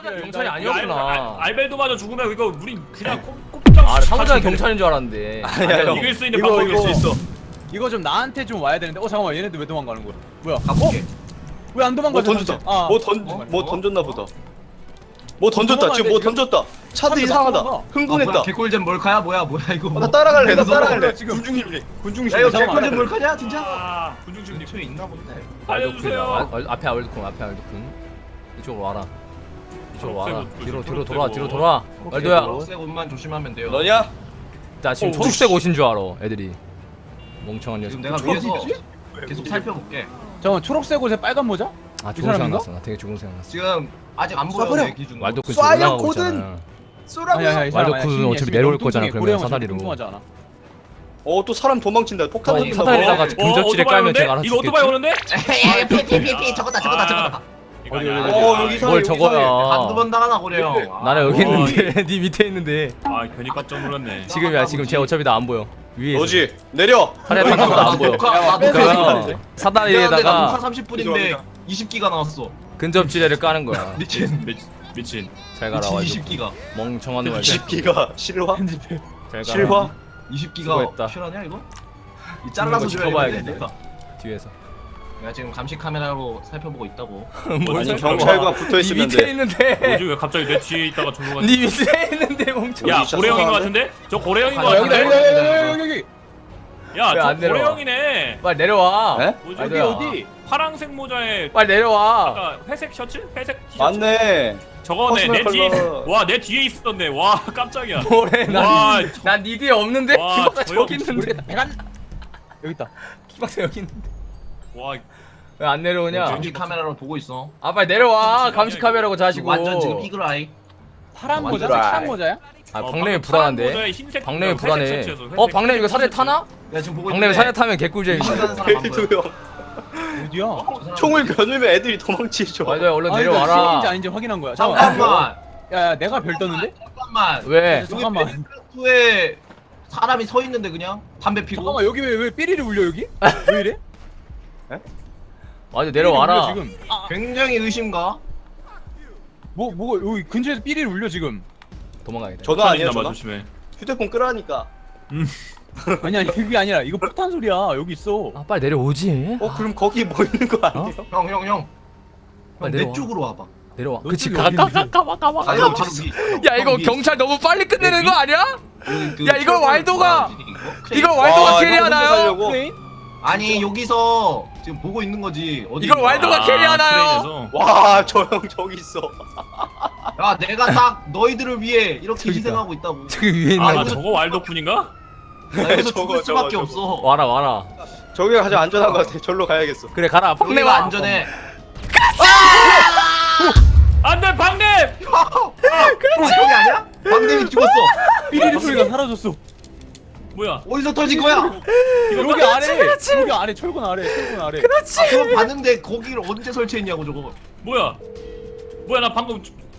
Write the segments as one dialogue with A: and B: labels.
A: 경찰이 아니었구나.
B: 알벨도마저 죽으면 이거 우리 그냥 꼼짝.
A: 아, 상호장이 경찰인 줄 알았는데.
C: 아니야, 형.
B: 이길 수 있는 방법이 있어.
D: 이거 좀 나한테 좀 와야 되는데. 잠깐만, 얘네들 왜 도망가는 거야? 뭐야?
C: 가볼게.
D: 왜 안 도망가?
C: 뭐 던졌다. 뭐 던졌나 보다. 뭐 던졌다. 지금 뭐 던졌다. 차도 이상하다. 흥분했다.
E: 개꿀잼 몰카야 뭐야 이거.
C: 나 따라갈래. 나 따라갈래.
D: 지금.
C: 군중심리.
E: 야 이거
D: 잠깐만.
E: 개꿀잼 몰카냐 진짜?
B: 아, 군중심리
E: 근처에 있나 본데.
B: 알려주세요.
A: 앞에 알벨도쿤, 앞에 알벨도쿤. 이쪽으로 와라. 이쪽으로 와라.
B: 초록색
A: 뒤로
B: 옷,
A: 돌아,
B: 초록색
A: 뒤로
B: 옷.
A: 돌아. 말도야.
E: 초록색 옷만 조심하면 돼요.
C: 너냐?
A: 나 지금
C: 어,
A: 초록색 옷인 줄 알아, 애들이. 멍청한 녀석.
E: 지금 내가 위에서 계속 살펴볼게.
D: 잠깐만, 초록색 옷에 빨간 모자?
A: 아,
D: 이
A: 좋은 생각
D: 사람인가?
A: 났어. 나 되게 좋은 생각 났어.
E: 지금 아직 안 보여
C: 쏴버려.
E: 내 기준으로.
A: 왈도쿤 지금
C: 쏴요,
A: 올라가고
C: 고든.
A: 있잖아.
C: 쏘라고요.
A: 왈도쿤은 어차피 내려올 거잖아, 그러면 사다리로.
C: 또 사람 도망친다. 폭탄
A: 어,
C: 던진다.
A: 사다리다가
B: 어,
A: 근접질에
B: 오토바이
A: 깔면
B: 오는데?
A: 제가 알아서
B: 이거 오토바이 오는데?
E: 피피피피 저거다.
B: 이거
D: 어디,
B: 아니야.
D: 어디,
C: 여기
A: 뭘
C: 여기
A: 저거야.
E: 한두 번 당하나 그래요.
A: 나는 여기
B: 어,
A: 있는데, 네 밑에 있는데.
B: 아, 괜히 깜짝 놀랐네.
A: 지금이야, 지금 쟤 어차피 나 안 보여. 위에.
C: 너지. 내려.
A: 사다리 타는 거도 안 보여.
E: 나
A: 그래서 사다리에다가
E: 녹화 30분인데 20기가 나왔어.
A: 근접지뢰를 까는 거야.
E: 미친.
B: 미친.
A: 잘 가라,
E: 미친
A: 왈도.
E: 20기가.
A: 멍청한 놈.
C: 20기가 실화?
A: 잘 가라.
C: 실화?
E: 20기가
A: 수고했다.
E: 실화냐 이거? 이 잘라서
A: 이거
E: 줘야겠네.
A: 짚어봐야겠네. 뒤에서.
E: 내가 지금 감시 카메라로 살펴보고 있다고.
C: 아니 경찰과 붙어
A: 네
C: 있으면
A: 밑에
C: 돼.
A: 있는데.
B: 뭐지 왜 갑자기 내 뒤에 있다가 절로 가지?
A: 네 밑에 있는데 멍청.
B: 야,
C: 진짜
B: 고래형인 것
C: 수상한데?
B: 같은데? 저 고래형인 것
E: 아,
B: 같은데?
D: 여기.
B: 야,
A: 왜안
B: 저
A: 내려와?
B: 고래형이네.
A: 빨리 내려와.
C: 에?
B: 뭐지?
D: 여기
A: 말도야.
D: 어디?
B: 파랑색 모자에
A: 빨리 내려와.
B: 아까 회색 셔츠? 회색 티셔츠?
C: 맞네.
B: 저거네. 내
C: 퍼스널
B: 뒤에
C: 컬러.
B: 와, 내 뒤에 있었네. 와, 깜짝이야.
A: 뭐래?
B: 와,
A: 난네 뒤에 없는데.
B: 와,
A: 키박사
B: 저
A: 저기
B: 형
A: 있는데.
D: 배간. 여기 있다.
A: 키박사 여기 있는데.
B: 와,
A: 왜 안 내려오냐?
E: 감시 카메라로 보고 있어.
A: 아 빨리 내려와. 감시 카메라고 자시고.
E: 완전 지금 이글아이.
D: 파란
E: 완전
D: 모자?
C: 드라이.
D: 파란 모자야?
A: 아
B: 어,
A: 박냄이
B: 파란
A: 불안한데.
B: 모자에 흰색
A: 박냄이
B: 회색
A: 불안해.
B: 셔츠여서 회색
A: 박냄 이거 사대
B: 셔츠.
A: 타나?
E: 내가 지금 보고
A: 박냄이
E: 있는데
A: 사대 타면 개꿀잼이지.
E: 도망가는 사람 안 보여.
C: 페이드 형.
D: 어디야?
C: 총을 겨누면 애들이 도망치죠.
A: 말도야 얼른
D: 아니, 이거
A: 내려와라.
D: CN인지 아닌지 확인한 거야. 잠깐만.
E: 잠깐만.
D: 야, 내가 별 떴는데?
E: 잠깐만.
A: 왜?
D: 잠깐만.
E: 후에 사람이 서 있는데 그냥 담배 피고.
D: 잠깐만, 여기 왜 삐리를 울려 여기? 왜 이래?
A: 맞아
D: 삐리를
A: 내려와라.
D: 울려, 지금.
E: 굉장히 의심가.
D: 뭐가 여기 근처에서 삐리를 울려 지금.
A: 도망가야겠다.
C: 전화 아니야
B: 남아
C: 전화?
B: 조심해.
C: 휴대폰 끄라니까.
D: 아니 그게 아니라 이거 폭탄 소리야. 여기 있어.
A: 아 빨리 내려오지.
C: 그럼 거기 뭐 있는 거 아니에요?
E: 형.
A: 빨리
E: 내
A: 내려와.
E: 쪽으로 와봐.
A: 내려와.
D: 너
A: 그치
D: 쪽이
A: 가까
D: 어딘데?
A: 가까
E: 아니 바로 위.
A: 야 이거 경찰 너무 빨리 끝내는 거 아니야?
E: 그
A: 야, 이거 왈도가- 이거
C: 아,
A: 왈도가
C: 이거
A: 캐리하나요?
C: 살려고?
D: 크레인?
E: 아니 여기서 지금 보고 있는 거지. 어디
A: 이걸
E: 있는 거야?
A: 왈도가 캐리하나요?
B: 트레인에서.
C: 와, 저 형 저기 있어.
E: 야 내가 딱 너희들을 위해 이렇게 희생하고 있다고.
A: 저기 위에 있는
B: 아,
A: 거.
B: 저거 왈도쿤인가?
E: 나 여기서
C: 저거,
E: 죽을 수밖에
C: 저거.
E: 없어.
A: 와라 와라.
C: 저기가 가장 안전한 거 같아. 절로 가야겠어.
A: 그래 가라.
E: 여기가
A: 박내와.
E: 안전해.
B: 안돼, 박냄!
E: 저기 아니야? 방대이 죽었어.
D: 삐리리 소리가 사라졌어.
B: 뭐야?
E: 어디서 터진 거야?
D: 여기 아래. 여기 아래 철근 아래. 철근 아래.
E: 아 그거 봤는데 거기를 언제 설치했냐고 저거.
B: 뭐야? 뭐야, 나 방금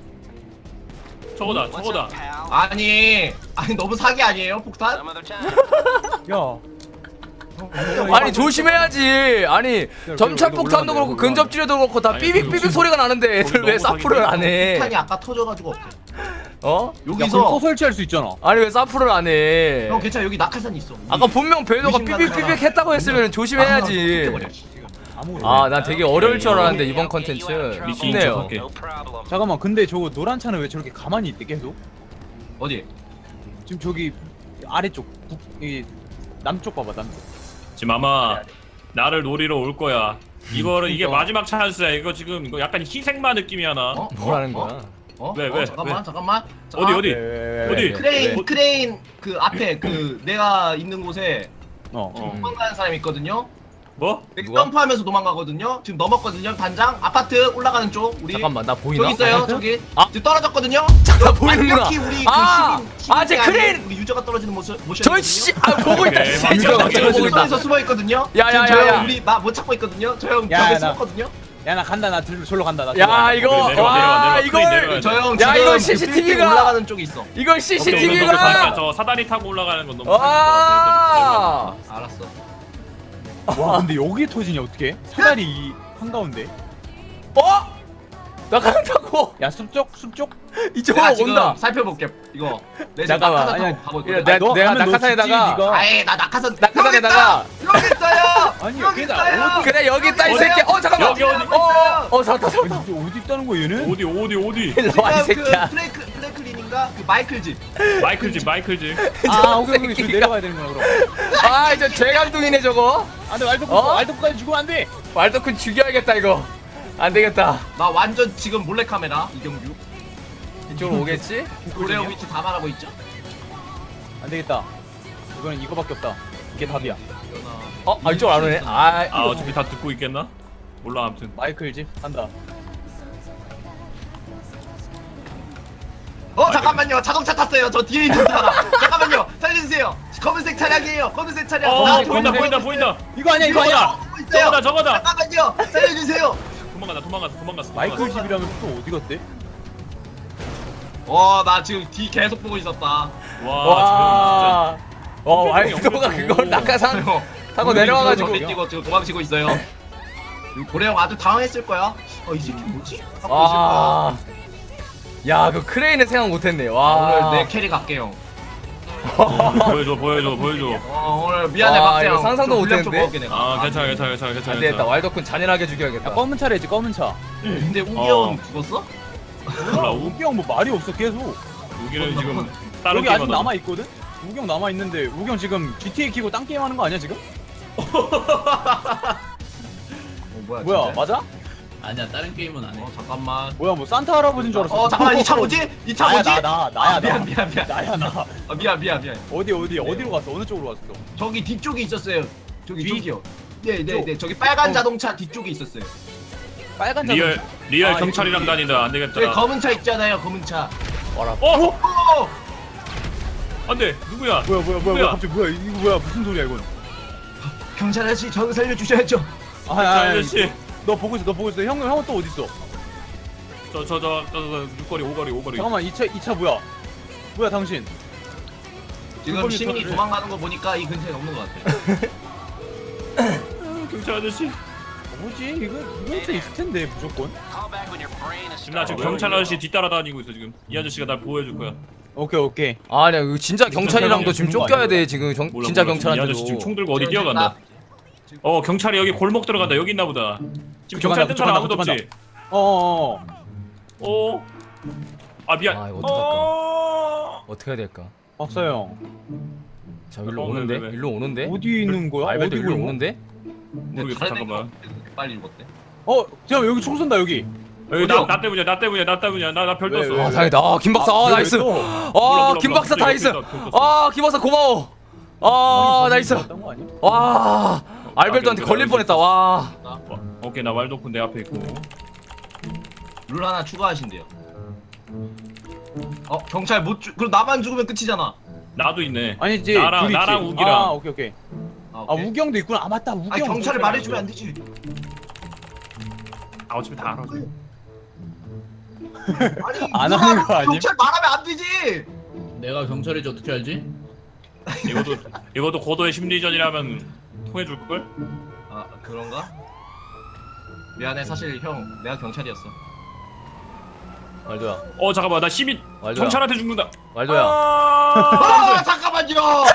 B: 저거다.
E: 아니 너무 사기 아니에요 폭탄?
D: 야.
A: 아니 조심해야지. 아니 점차 폭탄도 그렇고 근접지뢰도 그렇고 다
B: 아니,
A: 삐빅삐빅
B: 지금
A: 소리가 나는데 애들
B: 거기
A: 왜
B: 너무
A: 사프를 안 해?
E: 폭탄이 아까 터져가지고
A: 어?
D: 여기서 또
E: 여기서
D: 설치할 수 있잖아.
A: 아니 왜 사프를 안 해?
E: 형 괜찮아 여기 낙하산 있어.
A: 아까 분명 배도가
E: 의심가는
A: 삐빅삐빅
E: 사람.
A: 했다고 했으면 조심해야지.
D: 아무것도.
A: 아 난 되게 어려울 줄 알았는데 이번 컨텐츠
B: 미끼인
A: 쉽네요.
B: 척할게.
D: 잠깐만. 근데 저거 노란 차는 왜 저렇게 가만히 있대 계속?
E: 어디?
D: 지금 저기 아래쪽 이 남쪽 봐봐 남쪽.
B: 지금 아마 나를 노리러 올 거야. 이거는 이게
D: 그러니까.
B: 마지막 찬스야. 이거 지금 이거 약간 희생마 느낌이야 나.
E: 어?
A: 뭐라는 거야?
B: 왜?
E: 잠깐만.
B: 어디? 어디?
E: 크레인 그 앞에 그 내가 있는 곳에
D: 어.
E: 도망가는 사람이 있거든요.
B: 뭐?
A: 누가?
E: 점프하면서 도망가거든요. 지금 넘었거든요. 단장 아파트 올라가는 쪽 우리
A: 잠깐만 나 보이나?
E: 저기 있어요. 저기
A: 아.
E: 지금 떨어졌거든요.
A: 잠깐 보이는구나.
E: 완벽히 우리
A: 아!
E: 그 시민
A: 아, 제
E: 안에
A: 크레인!
E: 우리 유저가 떨어지는 모션이거든요.
A: 저씨 아 보고 있다.
B: 오케이,
A: 진짜
B: 맞아.
A: 보고 있다.
E: 모션에서 숨어 있거든요.
A: 야.
E: 저형 우리 나 못 찾고 있거든요. 저형
D: 야,
E: 벽에
D: 나-
E: 숨었거든요.
D: 야 나 간다. 나 절로 간다. 나 절로
A: 야
D: 간다.
A: 이거
B: 내려와,
A: 와
B: 내려와. 크레인 내려와.
A: 이걸
E: 저형
A: 야,
E: 지금
A: 이거
E: 그
A: CCTV
E: 빌딩
A: 가-
E: 올라가는 쪽에 있어.
A: 이걸
B: 저
A: CCTV가
B: 사다리 타고 올라가는 건 너무
A: 와.
E: 알았어.
D: 와 근데 여기 터지냐 어떻게? 사다리 이 한가운데.
A: 어? 나간다고.
D: 야 숲쪽
A: 이쪽으로
E: 내가 지금
A: 온다.
E: 살펴볼게. 이거. 내
A: 잠깐만.
E: 낙하산
D: 아니야,
E: 타고 가고
A: 야,
E: 있거든.
A: 내가
D: 하면 너
A: 낙하산에다가
D: 죽지, 네가.
E: 아예 나 낙하산.
A: 낙하산에다가
E: 여기 있어요.
D: 아니,
E: 여기
D: 걔가
E: 있어요.
A: 그래 여기 있다 이
B: 어디?
A: 새끼. 잠깐만.
B: 여기 어디?
A: 잡았다.
D: 아니, 어디 있다는 거야 얘는?
B: 어디
A: 일로 와이
E: 지금 그
A: 새끼야.
E: 플래클린인가 그 마이클 집.
B: 마이클 집.
D: 아 오케이 오케이 저
A: 새끼가.
D: 내려가야 되는구나 그럼.
A: 아 이제 죄감둥이네 저거.
D: 안돼
A: 어?
D: 왈도까지 죽으면 안돼.
A: 왈도쿤 죽여야겠다 이거. 안 되겠다.
E: 나 완전 지금 몰래 카메라 이경규.
A: 이쪽으로 오겠지?
E: 고래형 위치 다 말하고 있죠.
D: 안 되겠다. 이거는 이거밖에 없다. 이게 답이야.
A: 이쪽으로 안 오네.
B: 아 어차피 다 듣고 있겠나? 몰라 아무튼.
D: 마이클 집 간다.
E: 잠깐만요. 자동차 탔어요. 저 뒤에 있는 사람. 잠깐만요. 살려주세요. 검은색 차량이에요. 검은색 차량.
B: 보인다.
D: 이거 아니야 이거 아니야.
B: 저거다.
E: 잠깐만요. 살려주세요.
B: 도망갔어.
D: 마이클 집이라면 또 어디 갔대?
E: 나 지금 뒤 계속 보고 있었다.
B: 와
A: 왈도가 그걸 낙하산 타고 내려와가지고.
E: 저기 뛰고 지금 도망치고 있어요. 고래형 아주 당황했을 거야. 이 새끼 뭐지? 하고 있을 거야.
A: 와. 야, 그 크레인을 생각 못했네. 와.
E: 오늘 내 캐리 갈게요.
B: 지금 보여줘.
E: 오늘 미안해
A: 와,
E: 박세형.
A: 이거 상상도
E: 좀 분량 좀
A: 못했는데?
E: 먹을게, 내가.
B: 아 괜찮아.
A: 안 되겠다. 왈도쿤 잔인하게 죽여야겠다.
D: 야 검은 차래지 검은 차.
E: 근데 우기 형은 죽었어?
B: 몰라
D: 우기 형 뭐 말이 없어 계속.
B: 우기는 지금 다른
D: 여기 아직
B: 게임하다.
D: 남아 있거든. 우기 형 남아 있는데 우기 형 지금 GTA 키고 딴 게임 하는 거 아니야 지금? 뭐야
E: 진짜?
D: 맞아?
F: 아니야 다른 게임은 안 해.
E: 잠깐만.
D: 뭐야 뭐 산타 할아버지인 줄 알았어.
E: 잠깐만 이 차 뭐지? 이 차
D: 나야
E: 뭐지?
D: 나야
E: 미안.
D: 나야 나.
E: 미안.
D: 어디로 갔어? 어느 쪽으로 갔어?
E: 저기 뒤쪽에 있었어요. 저기
D: 뒤?
E: 저기요. 네. 저기 빨간 자동차 뒤쪽에 있었어요.
D: 빨간
B: 리얼
D: 아,
B: 경찰이랑
D: 이거
B: 다닌다. 안
E: 저기
B: 되겠다.
E: 검은 차 있잖아요. 검은 차.
B: 안돼. 누구야?
D: 뭐야 갑자기 뭐야 이거 뭐야 무슨 소리야 이건?
E: 경찰 아저씨 저를 살려주셔야죠.
B: 아저씨.
D: 너 보고 있어 형은 또 어디 있어?
B: 저 6거리 5거리.
D: 잠깐만 이 차 뭐야 당신?
E: 지금 시민이
D: 털을.
E: 도망가는 거 보니까 이 근처에 없는 것 같아.
B: 경찰 아저씨.
D: 뭐지 이거 차 있을 텐데 무조건.
B: 지금 나 지금 경찰 아저씨 뒤따라 다니고 있어 지금. 이 아저씨가 날 보호해줄 거야.
D: 오케이.
A: 아니야, 이거 진짜 경찰이랑도 지금
D: 죽는 거
A: 쫓겨야
D: 아니야?
A: 돼. 지금
B: 몰라,
A: 진짜
B: 몰라. 이 아저씨 지금
A: 경찰한테도.
B: 총 들고 어디 뛰어간다. 경찰이 여기 골목 들어간다. 여기 있나 보다. 지금
D: 그쪽
B: 경찰
D: 간다,
B: 뜬 사람
D: 그쪽
B: 아무도
D: 간다.
B: 없지? 미안.
A: 아, 이거 어떡할까? 어떻게 해야 될까?
D: 박사형
A: 자, 일로
B: 어,
A: 오는데?
B: 왜?
A: 일로 오는데?
D: 어디 있는 거야?
A: 알베도
D: 어디
A: 일로
D: 골목?
A: 오는데?
B: 모르겠어.
E: 다른
B: 잠깐만.
E: 애가 빨리 읽었대.
D: 잠깐 여기 총 쏜다 여기.
B: 여기
E: 어디요?
B: 나 때문이야. 나 별
D: 왜,
B: 떴어.
D: 왜,
A: 아,
D: 왜?
A: 다행이다. 김 박사. 나이스.
B: 몰라,
A: 김 박사
B: 몰라.
A: 나이스.
B: 떴어.
A: 김 박사 고마워. 나이스. 와, 알벨도한테 걸릴 뻔했다. 와.
B: 오케이 나 왈도쿤 내 앞에 있고.
E: 룰 하나 추가하신대요. 경찰 못 그럼 나만 죽으면 끝이잖아.
B: 나도 있네.
D: 아니지
B: 나랑-
D: 둘이
B: 나랑
D: 있지.
B: 우기랑.
D: 아 오케이.
E: 오케이.
D: 우기 형도 있구나. 아 맞다 우기
E: 아니
D: 형.
E: 경찰을 말해주면 안 되지.
B: 어차피 다 알아.
E: 아니
D: 안
E: 누가
D: 하는 거 아님?
E: 경찰 말하면 안 되지.
F: 내가 경찰인지 어떻게 알지?
B: 이것도 고도의 심리전이라면 통해줄 걸?
E: 그런가? 미안해 사실 형 내가 경찰이었어.
A: 말도야.
B: 잠깐만 나 시민
A: 말도야.
B: 경찰한테 죽는다.
A: 말도야.
E: 잠깐만요.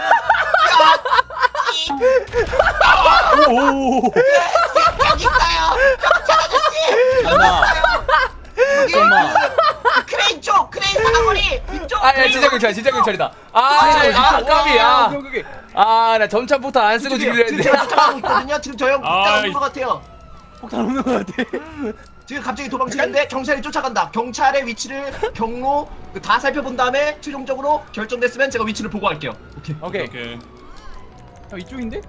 D: 오.
E: 여기 있어요. 경찰 아저씨.
D: 하나.
E: 여기
D: 잠깐만.
E: 크레인 쪽 크레인 사거리 이쪽.
A: 야, 진짜 경찰이다. 까비.
D: 오케이.
A: 나 점차부터 안 쓰고 죽이려
E: 지금
A: 했는데.
E: 제가 쫓아가고 있거든요. 지금 저 형
B: 아이.
E: 폭탄 온것 같아요.
D: 폭탄 없는 거 같아.
E: 지금 갑자기 도망치는데 경찰이 쫓아간다. 경찰의 위치를 경로 다 살펴본 다음에 최종적으로 결정됐으면 제가 위치를 보고할게요. 오케이.
B: 오케이.
D: 형 이쪽인데?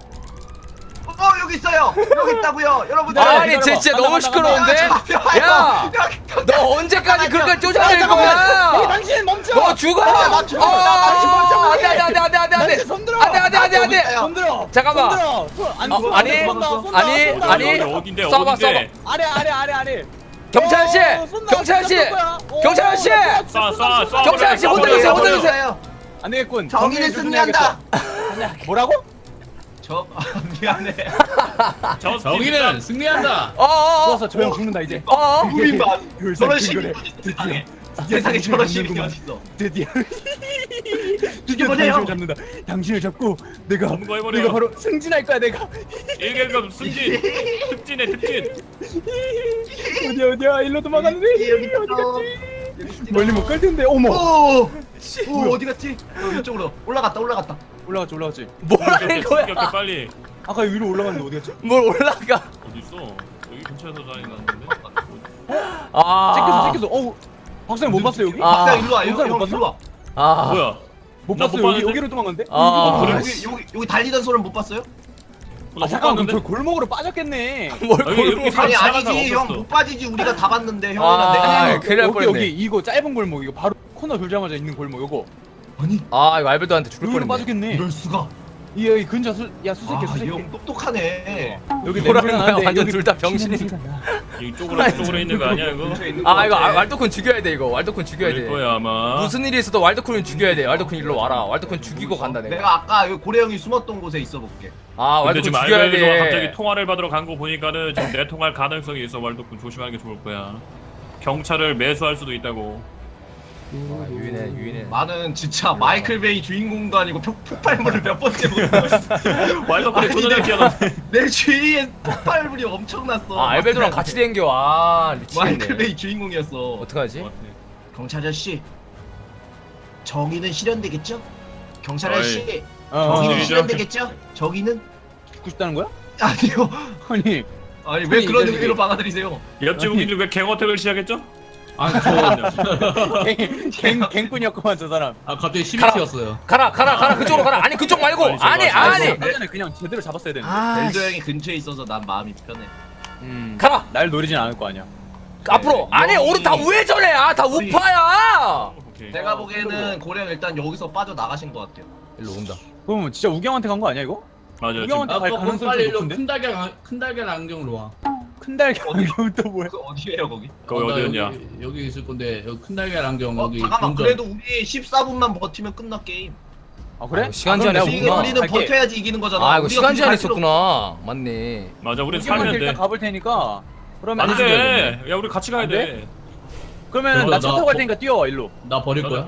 E: 여기 있어요. 여기 있다고요, 여러분들.
A: 아니,
D: 기다려봐.
A: 진짜
D: 간다,
A: 너무
D: 간다,
A: 시끄러운데? 야, 너 언제까지 그렇게 쫓아낼 거야?
D: 당신 멈춰.
A: 너 죽어!
E: 나 죽어. 나
A: 안돼!
D: 손 들어.
A: 안돼!
D: 손 들어.
A: 잠깐만.
D: 손 들어. 손
A: 아니,
D: 쏜다.
A: 아니.
B: 어딘데?
A: 쏴봐.
D: 아래.
A: 경찰 아저씨!
D: 쏜다.
A: 경찰 아저씨!
D: 쏜다.
A: 경찰 아저씨!
B: 쏴.
A: 경찰 아저씨 혼내주세요.
E: 보세요.
D: 안 되겠군.
E: 정의는 승리한다.
D: 뭐라고?
E: 저 미안해.
F: 정의는 승리한다.
D: 좋았어 저 형 죽는다 이제.
E: 우리 봐.
D: 그
E: 저런
D: 새끼
E: 시민이 어디 세상에. 세상에 저런 시민이 어딨어.
D: 드디어
E: 이번에요.
D: 당신을 잡는다. 당신을 잡고 내가
B: 검거해버려.
D: 바로 승진할 거야 내가.
B: 일개급 승진 특진해 특진.
D: 어디야 일로 도망갔는데
E: 여기
D: 어디
E: 있어.
D: 갔지? 멀리 못 갈 텐데. 어머.
E: 오 어디 갔지? 이쪽으로 올라갔다.
D: 올라갔지.
A: 뭐 하는 거야?
B: 충격해 빨리.
D: 아까 위로 올라갔는데 어디 갔지?
A: 뭘 올라가?
B: 어디 있어? 여기 근처에서 자리 났는데.
A: 아.
D: 찍혔어. 어우. 박사님 못 봤어요 여기?
A: 아.
E: 박사 일로 와.
D: 박사
E: 형
D: 못
E: 일로 와.
A: 아.
B: 뭐야?
D: 못
B: 나못
D: 봤어요.
B: 봤는데?
D: 여기로 도망갔는데?
A: 아.
B: 그래?
E: 여기 달리던 소리는 못 봤어요?
D: 아 잠깐만 그럼 저 골목으로 빠졌겠네.
A: 뭘
B: 여기
A: 골목?
B: 사람
E: 아니
B: 지나간
E: 아니지
B: 사람
E: 형
B: 없었어.
E: 못 빠지지 우리가 다 봤는데 형이랑
A: 아,
E: 내가
A: 큰일 날 뻔했네.
D: 여기 이거 짧은 골목 이거 바로 코너 돌자마자 있는 골목 요거.
E: 아니
A: 아 이거 알베도한테 죽을
D: 여기로
A: 뻔했네.
D: 빠졌겠네.
E: 이럴 수가
D: 여기 근처 수색해 수색해.
E: 아형 똑똑하네
D: 여기
A: 뭐라는
D: 냄새가
A: 거야?
D: 나는데
A: 완전
D: 여기
A: 둘 다 병신이.
D: 냄새가 나.
B: 이쪽으로 있는 거 아니야 이거?
A: 아 이거 왈도쿤 죽여야 돼 이거. 왈도쿤 죽여야
B: 그럴
A: 돼.
B: 거야 아마.
A: 무슨 일이 있어도 왈도쿤은 죽여야 돼. 왈도쿤 일로 와라. 왈도쿤 죽이고 간다 내가.
E: 내가 아까 여기 고래 형이 숨었던 곳에 있어 볼게
A: 아
B: 근데
A: 왈도쿤
B: 지금
A: 죽여야
B: 알베도가 갑자기
A: 돼.
B: 통화를 받으러 간 거 보니까는 지금 내통할 가능성이 있어. 왈도쿤 조심하는 게 좋을 거야. 경찰을 매수할 수도 있다고.
A: 아, 유인해.
E: 나는 진짜 마이클 베이 주인공도 아니고 폭발물을 몇 번째 보고 있어
B: 왈도쿤의
E: 아니,
B: 조전을
E: 내가-
B: 기억나.
E: 내 주위에 폭발물이 엄청났어
A: 아 알베도랑 같이 댕겨. 아
E: 마이클
A: 미치겠네.
E: 베이 주인공이었어
A: 어떡하지?
E: 경찰 아저씨 정의는 실현되겠죠? 경찰
B: 어이.
E: 아저씨
D: 어,
E: 정의는
B: 정의는
E: 실현되겠죠? 정의는?
D: 죽고 싶다는 거야?
E: 아니요
D: 아니
E: 아니 왜
D: 아니,
E: 그런
D: 이제
E: 의미로 받아들이세요
B: 옆집 우기들 왜 갱어택을 시작했죠?
F: 아저
D: 갱꾼이었구만 저 사람.
F: 갑자기 심이
A: 가라.
F: 튀었어요.
A: 가라 그쪽으로 가라. 아니 그쪽 말고.
B: 아니,
A: 아니.
D: 사전에 그냥 제대로 잡았어야 되는데.
A: 아
E: 벨도 형이 근처에 있어서 난 마음이 편해
A: 가라.
D: 날 노리진 않을 거 아니야.
A: 앞으로. 아니
E: 여기-
A: 오른 다 우회전해. 아다 우파야.
B: 오케이.
E: 내가 보기에는 고래 형 일단 여기서 빠져 나가신 것 같아요
A: 일로 온다.
D: 그럼 진짜 우경한테 간 거 아니야 이거?
B: 맞아. 지금
D: 우경한테 갈
F: 그럼
D: 가능성이
F: 빨리 일로
D: 높은데?
F: 큰 달걀 안경으로 와.
D: 큰 달걀 안경 또 뭐야?
E: 그 어디에요 거기?
B: 거기
F: 나
B: 어디였냐?
F: 여기 있을 건데 여기 큰 달걀 안경 여기
E: 잠깐만
F: 본점.
E: 그래도 우리 14분만 버티면 끝나 게임
D: 아 그래?
A: 아, 시간
D: 그럼
A: 제한이
D: 내가
A: 있구나.
E: 우리는
D: 갈게.
E: 버텨야지 이기는 거잖아
A: 아 이거
E: 우리가
A: 시간
E: 굳이
A: 제한
E: 갈 필요
A: 있었구나. 맞네.
B: 맞아. 우린
D: 우경한테
B: 살면
D: 일단
B: 돼.
D: 가볼 테니까. 그러면
B: 안 돼. 야 우리 같이 가야
D: 안
B: 돼.
D: 그러면 나 차
F: 나
D: 타고 갈
F: 버-
D: 테니까 뛰어와 일로.
F: 나 버릴 거야?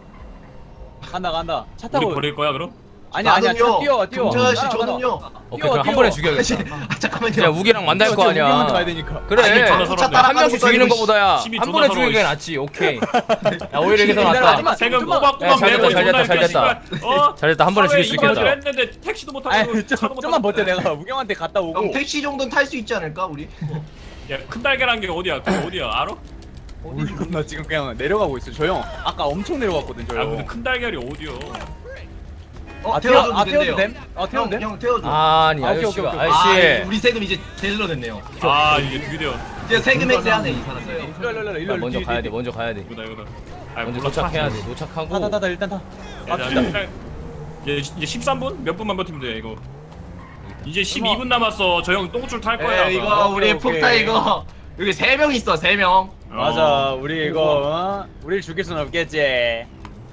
D: 간다. 차
B: 우리
D: 타고.
B: 버릴 거야 그럼?
D: 아니야 차
E: 나는요,
D: 뛰어.
E: 경찰 아저씨
D: 따라와,
E: 저는요
A: 오케이 그럼 한 번에 죽여야겠다.
E: 잠깐만요
A: 야 우기랑 만날 거
D: 우경한테
A: 아니야.
D: 가야 되니까.
A: 그래.
B: 아니, 전화
E: 차
B: 서럽네.
A: 한 명씩 죽이는
E: 따라가는
A: 거보다야
B: 심이
A: 한
B: 존나
A: 번에
B: 서러워,
A: 죽이는 게
B: 씨.
A: 낫지. 오케이. 야 오히려 이게 더
D: 기다려,
A: 낫다.
D: 하지마.
B: 세금
D: 좀만-
B: 꼬박꼬박
A: 야, 잘
B: 내고
A: 됐다, 잘 됐다, 잘 됐다.
B: 어?
A: 잘했다. 한 번에 죽일 수 있겠다.
B: 했는데 택시도 못 타고
D: 아니
B: 차도 못
D: 좀만
B: 타고.
D: 버텨 내가 우경한테 갔다 오고.
E: 형 택시 정도는 탈 수 있지 않을까 우리?
B: 야, 큰 달걀한 게 어디야? 그거 어디야? 알아?
D: 몰라 나 지금 그냥 내려가고 있어. 저 형 아까 엄청 내려갔거든 저
B: 아 근데
D: 형.
B: 큰 달걀이 어디요?
E: 태워줘도
D: 태워도
E: 된대요
D: 됨? 태워도 됨?
E: 형 태워줘
A: 아니
D: 아, 오케이,
A: 아저씨가
D: 오케이, 오케이.
A: 아저씨.
E: 우리 세금 이제 제대로 냈네요
B: 아 이게 드디어
E: 이제 세금 획세하네 이 사람
D: 일로
A: 먼저 가야 돼. 먼저 가야 돼.
B: 이거다. 아
A: 먼저
B: 몰라
A: 도착해야 돼. 도착하고.
D: 타타타 일단 타.
B: 이제 13분? 몇 분만 버티면 돼 이거. 이제 12분 남았어. 저 형 똥줄 탈 거야.
E: 에 이거
B: 아마.
E: 우리
D: 오케이.
E: 폭타 이거 여기 3명 있어 3명
D: 맞아 우리 이거 우리를 죽일 순 없겠지.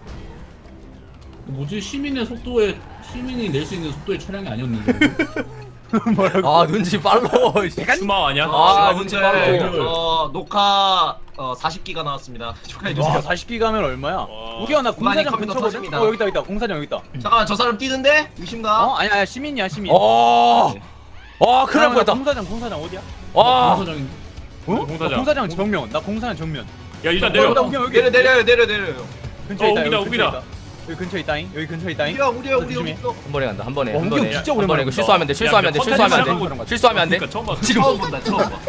F: 뭐지 시민이 낼 수 있는 속도의 차량이 아니었는데.
D: 뭐라고?
A: 아 눈치 빨라.
B: 수마 아니야?
A: 아,
E: 지금
A: 눈치
E: 현재
A: 빠르고.
E: 녹화 40기가 나왔습니다 축하해주세요
D: 와 40기 가면 얼마야?
B: 와.
D: 우기야 나
E: 구만이
D: 공사장
E: 컴퓨터
D: 근처거든?
E: 터집니다.
D: 여기다 공사장 여기다.
E: 잠깐만 저 사람 뛰는데? 의심가?
D: 어? 아니야 시민이야 시민.
A: 어. 아 큰일 날 뻔했다.
D: 공사장 어디야?
A: 와.
F: 공사장이
D: 어?
B: 공사장.
D: 나 공사장 정면. 나 공사장 정면.
B: 야 일단
D: 내려.
B: 내려.
D: 우경 여기
E: 내려요
D: 근처에 있다.
B: 우기다,
D: 여기
B: 우기다.
D: 근처에 있다. 여기 근처에 있다잉. 여기 근처에 있다잉.
E: 우리야 우리 여기
D: 조심해.
E: 있어
A: 한 번에 간다. 한 번에.
D: 어,
A: 한
D: 우경
A: 번에.
D: 진짜
A: 한 번에
D: 오랜만에
A: 이거
D: 본다.
A: 실수하면 돼. 실수하면 돼.
B: 야,
A: 실수하면 안
B: 컨텐츠
A: 돼. 실수하면 안 돼.
B: 그러니까 처음 봤어.
A: 지금.
E: 처음 본다 처음 봐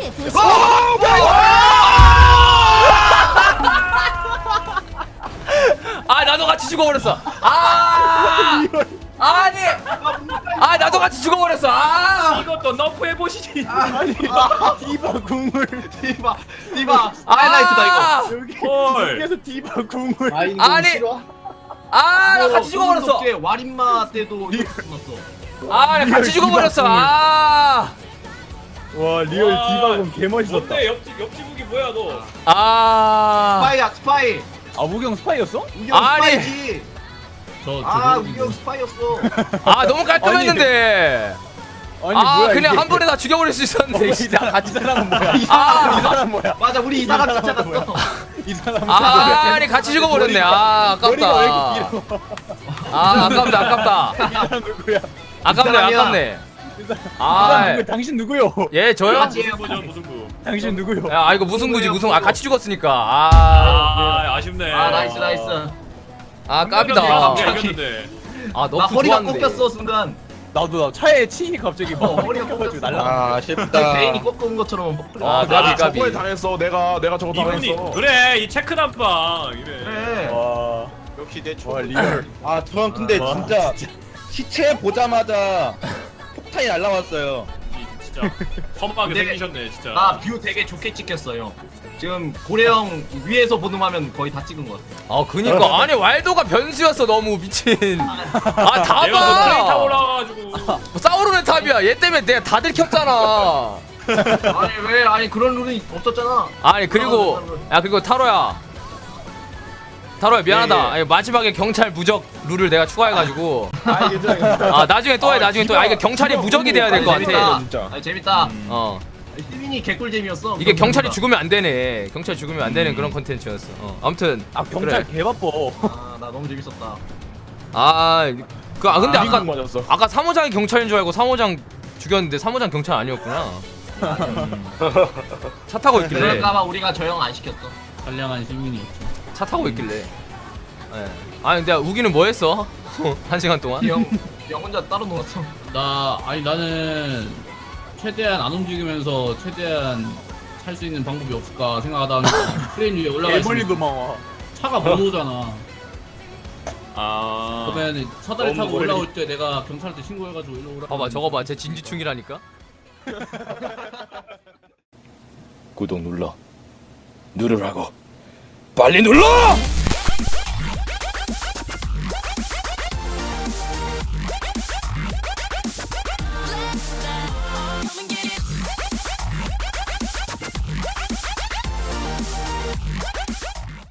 A: 아 나도 같이 죽어버렸어. 아. 아니. 아 나도 같이 죽어버렸어. 아.
B: 이것도 너프 해보시지.
D: 아니 디바 궁을
E: 디바 하이라이트다 이거
D: 여기
B: 헐.
D: 여기서 디바 궁을.
A: 아니. 아 나 같이 죽어버렸어.
E: 와린마 때도 이렇게 죽었어
A: 아 나 같이 죽어버렸어. 아.
D: 와 리얼
B: 와,
D: 디바 궁 개멋있었다.
B: 뭔데 옆집 우기 뭐야 너?
A: 아.
E: 스파이야 스파이
D: 아 우경 스파이였어?
E: 우경
A: 아니.
E: 스파이지
F: 저
E: 아
F: 저-
E: 우리 형 스파이였어.
A: 아 너무 깔끔했는데.
D: 아니
A: 아
D: 뭐야
A: 그냥
D: 이게.
A: 한 번에 다 죽여버릴 수 있었는데. 진짜
D: 이 사람은 뭐야? 이
A: 아,
D: 사람 뭐야?
E: 맞아 우리 이 사람 쫓아갔어.
D: 이 사람
A: 아 아니 같이 죽어버렸네. 아
D: 머리가 왜
A: 아깝다.
D: 이렇게 길어?
A: 아 아깝다 아깝다.
D: 이 사람 누구야?
A: 아깝네
E: 사람이야.
A: 아깝네.
D: 이 사람
A: 아
D: 누구야? 당신 누구요?
A: 예 저요?
E: 같이
B: 무슨 부죠 무슨 부.
D: 당신 누구요?
A: 아 이거 무승부지 무승. 아 같이 죽었으니까. 아,
B: 아 아쉽네.
E: 아 나이스 나이스.
A: 아
B: 한 명이
A: 깝이다.
B: 이겼는데.
A: 아
E: 나
A: 너무
E: 허리가
A: 좋았는데.
E: 꺾였어 순간.
D: 나도 나 차에 치니 갑자기 막
E: 허리가
D: 꺾여가지고
E: 꺾였어.
D: 날라.
C: 아 아쉽다.
E: 베인이 꺾은 것처럼.
A: 아 까비 까비.
G: 저번에 당했어. 내가 저거
B: 이분이
G: 당했어.
B: 그래 이 체크 단방 이래.
E: 그래.
D: 와,
C: 역시 내
D: 와 리얼.
C: 아 저는 근데
D: 와,
C: 진짜 시체 보자마자 폭탄이 날라왔어요.
B: 진짜 험하게
E: 근데-
B: 생기셨네 진짜.
E: 아뷰 되게 좋게 찍혔어요. 지금 고래형 위에서 보는 화면 거의 다 찍은 것 같아.
A: 아 그니까 아니 왈도가 변수였어 너무 미친. 아
B: 내가 그 트레인 타고
A: 다봐.
B: 올라가가지고
A: 싸우르는 탑이야. 얘 때문에 내가 다 들켰잖아.
E: 아니 왜 아니 그런 룰이 없었잖아.
A: 아니 그리고 야 그리고 타로야 미안하다.
C: 예, 예.
A: 아니, 마지막에 경찰 무적 룰을 내가 추가해가지고
G: 아 괜찮아.
A: 아 나중에 또 해 나중에 또 해. 아 이거 경찰이 무적이 돼야 될 것
E: 재밌다.
A: 같아.
G: 진짜.
E: 아니 재밌다.
A: 어
E: 시민이 개꿀잼이었어.
A: 이게 경찰이 죽으면 안 되네. 경찰 죽으면 안 되는 그런 컨텐츠였어. 아무튼
D: 아 경찰
A: 그래.
D: 개 바빠.
E: 아나 너무 재밌었다.
A: 근데 아까
G: 미국 맞았어.
A: 아까 3호장이 경찰인 줄 알고 3호장 죽였는데 3호장 경찰 아니었구나. 차 타고 있길래
E: 그럴까봐 우리가 저 형 안 시켰어.
F: 선량한 시민이었죠.
A: 차 타고 있길래. 예. 아니 근데 우기는 뭐 했어? 1시간 동안?
E: 형 혼자 따로 놀았어.
F: 아니 나는 최대한 안 움직이면서 최대한 살 수 있는 방법이 없을까 생각하다가 트레인 위에 올라가
D: 애벌리
F: 있으면
D: 도망와.
F: 차가 못 오잖아.
B: 아
F: 그러면 사다리
C: 너무
F: 타고
C: 멀리.
F: 올라올 때 내가 경찰한테 신고해가지고 일로 오라.
A: 봐봐 저거 봐. 쟤 진지충이라니까.
C: 구독 눌러. 누르라고. 빨리 눌러!